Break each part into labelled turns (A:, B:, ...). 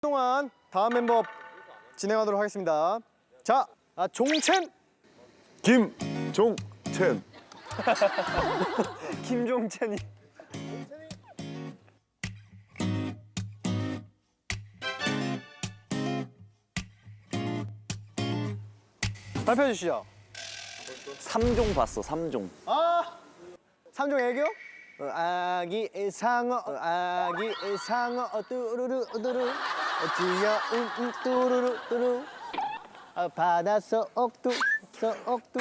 A: 동안 다음 멤버 진행하도록 하겠습니다. 자, 종첸.
B: 김종첸.
A: 김종첸이. 발표해 주시죠.
C: 3종 봤어, 3종.
A: 삼종 애교? 아기 상어, 아기 상어, 뚜루루 뚜루, 귀여운 뚜루루 뚜루, 바닷속 옥두, 옥두.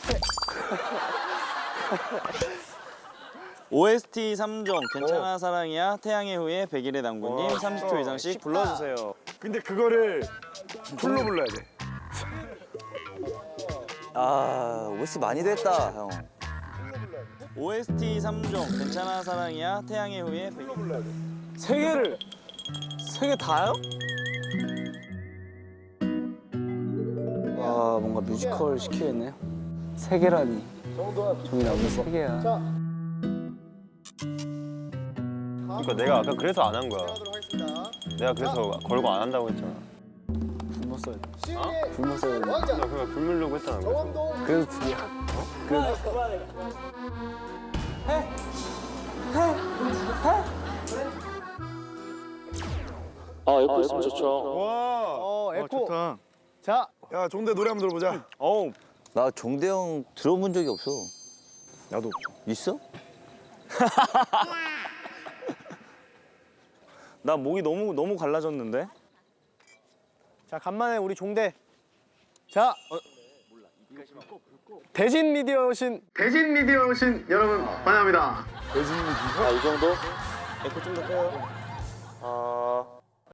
C: OST 3종, 괜찮아 사랑이야, 태양의 후예, 백일의 당구님, 30초 이상씩 불러주세요.
B: 근데 그거를 풀로 불러야 돼.
C: 아, OST 많이 됐다, 형. OST 3종, 괜찮아 사랑이야, 태양의 후예, 백일의 당구님. 세 개 다요?
D: 와 뭔가 뮤지컬 시키겠네요. 세 개라니. 종이라고 세 개야.
B: 그러니까 내가 아까 그래서 안 한 거야.
A: 하도록 하겠습니다.
B: 내가 그래서 걸고 안 한다고 했잖아.
D: 굶어 써야 돼.
A: 시은이의
D: 굶어 써야 돼.
B: 나 그냥 불 물려고 했잖아. 그래서.
A: 정원동.
D: 그래서 두 개야.
C: 아, 에코 있으면 좋죠.
B: 와.
A: 에코.
B: 좋다.
A: 자,
B: 야 종대 노래 한번 들어보자.
C: 어우,
E: 나 종대형 들어본 적이 없어.
B: 나도.
E: 있어?
C: 나 목이 너무 갈라졌는데?
A: 자 간만에 우리 종대. 자, 대진 미디어 오신 여러분 환영합니다.
C: 아, 이 정도? 에코 좀 더 빼요.